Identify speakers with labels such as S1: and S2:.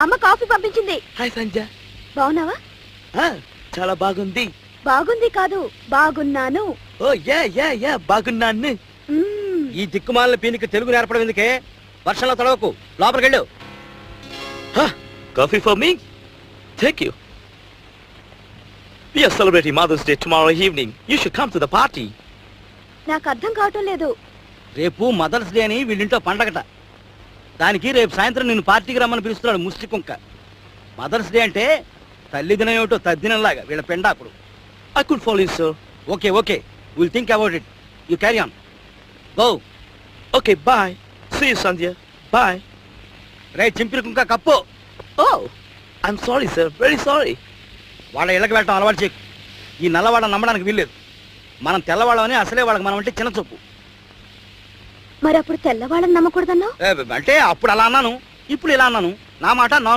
S1: అమ్మ కాఫీ పంపించింది.
S2: హాయ్ సంజ.
S1: బాగున్నావా?
S2: చాలా బాగుంది.
S1: బాగుంది కాదు, బాగున్నాను.
S2: ఓ యా యా యా బాగున్నాను.
S3: ఈ దిక్కుమాలిన పీనికి తెలుగు నేర్పడం ఎందుకే? వర్షంలో తడవకు, లోపలికెళ్ళు.
S2: Coffee for me? Thank you. We are celebrating Mother's Day tomorrow evening. You should come to the party.
S1: నాకు అర్థం కావటం లేదు.
S3: రేపు మదర్స్ డే అని వీళ్ళింట్లో పండగట. దానికి రేపు సాయంత్రం నిన్ను పార్టీకి రమ్మని పిలుస్తున్నాడు ముష్టి కుంక. మదర్స్ డే అంటే తల్లి దినం ఏమిటో తద్దినంలాగా వీళ్ళ పెండాకుడు.
S2: I could follow you, sir.
S3: Okay okay, will think about it. You carry on. Go.
S2: Okay, bye. See you, Sandhya. Bye.
S3: రే చింపిరి కుంక కప్పు.
S2: Oh, I'm sorry, sir. Very sorry.
S3: వాళ్ళ ఇళ్ళకి వెళ్ళటం అలవాటు చేయకు. ఈ నల్లవాళ్ళని నమ్మడానికి వీల్లేదు. మనం తెల్లవాళ్ళమని అసలే వాళ్ళకి మనం అంటే చిన్న చూపు.
S1: మరి అప్పుడు తెల్లవాళ్ళని నమ్మకూడదన్నా?
S3: అంటే అప్పుడు అలా అన్నాను, ఇప్పుడు ఇలా అన్నాను. నా మాట నా